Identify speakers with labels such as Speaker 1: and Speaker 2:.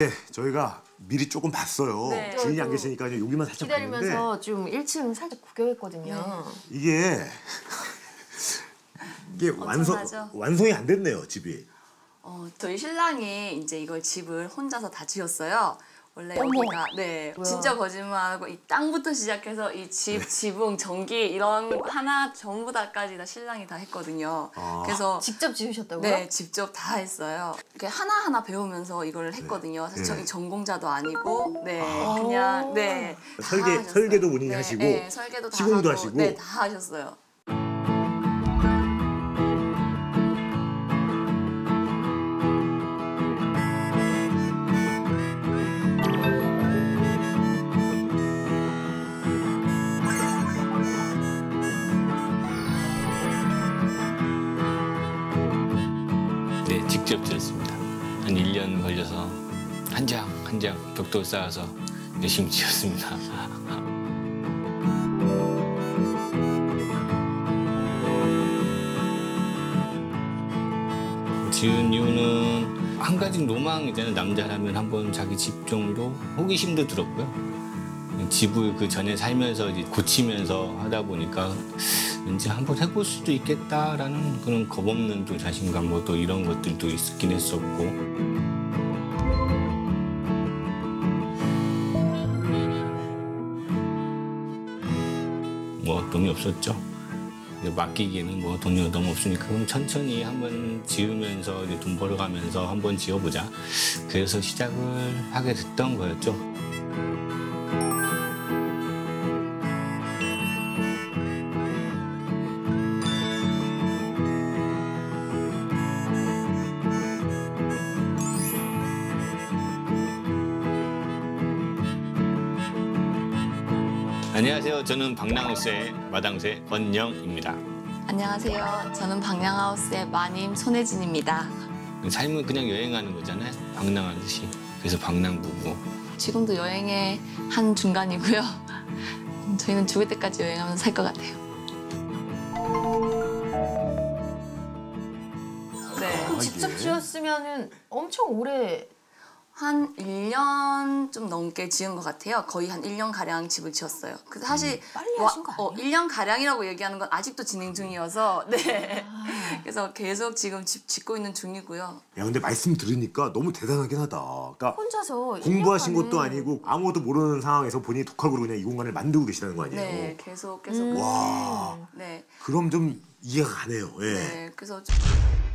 Speaker 1: 저희가 미리 조금 봤어요.
Speaker 2: 네.
Speaker 1: 주인이 안 계시니까 그냥 여기만 살짝 봤는데
Speaker 2: 기다리면서 좀 1층 살짝 구경했거든요.
Speaker 1: 이게 완성이 안 됐네요, 집이.
Speaker 3: 저희 신랑이 이제 이걸 집을 혼자서 다 지었어요. 원래
Speaker 2: 어머.
Speaker 3: 여기가 진짜 거짓말하고 이 땅부터 시작해서 이 집, 지붕, 전기 이런 하나 전부 다까지 다 신랑이 다 했거든요. 그래서
Speaker 2: 직접 지으셨다고요?
Speaker 3: 네, 직접 다 했어요. 이렇게 하나하나 배우면서 이걸 했거든요. 사실 저희 전공자도 아니고 그냥
Speaker 1: 설계도 본인이 하시고
Speaker 3: 설계도 다
Speaker 1: 시공도
Speaker 3: 하고,
Speaker 1: 하시고
Speaker 3: 네, 다 하셨어요.
Speaker 4: 네, 직접 지었습니다. 한 1년 걸려서 한 장 한 장 벽돌 쌓아서 열심히 지었습니다. 지은 이유는 한 가지 로망이잖아요. 남자라면 한번 자기 집 정도 호기심도 들었고요. 집을 그 전에 살면서 이제 고치면서 하다 보니까 왠지 한번 해볼 수도 있겠다라는 그런 겁없는 또 자신감 뭐 또 이런 것들도 있긴 했었고. 뭐 돈이 없었죠. 맡기기에는 뭐 돈이 너무 없으니까 그럼 천천히 한번 지으면서 이제 돈 벌어가면서 한번 지어보자. 그래서 시작을 하게 됐던 거였죠. 안녕하세요. 저는 방랑하우스의 마당새 권영입니다.
Speaker 3: 안녕하세요. 저는 방랑하우스의 마님 손혜진입니다.
Speaker 4: 삶은 그냥 여행하는 거잖아요. 방랑하듯이. 그래서 방랑부부.
Speaker 3: 지금도 여행의 한 중간이고요. 저희는 죽을 때까지 여행하면서 살 것 같아요. 네.
Speaker 2: 직접 지었으면은 엄청 오래
Speaker 3: 한 1년 좀 넘게 지은 것 같아요. 거의 한 1년가량 집을 지었어요. 그래서 사실
Speaker 2: 빨리 하신 거 아니에요?
Speaker 3: 1년가량이라고 얘기하는 건 아직도 진행 중이어서 네. 그래서 계속 지금 집 짓고 있는 중이고요.
Speaker 1: 야, 근데 말씀 들으니까 너무 대단하긴 하다. 그러니까
Speaker 2: 혼자서
Speaker 1: 공부하신
Speaker 2: 1년간을
Speaker 1: 것도 아니고 아무것도 모르는 상황에서 본인이 독학으로 그냥 이 공간을 만들고 계시다는 거 아니에요?
Speaker 3: 네, 계속.
Speaker 1: 와,
Speaker 3: 네.
Speaker 1: 그럼 좀 이해가 가네요. 예.
Speaker 3: 네, 그래서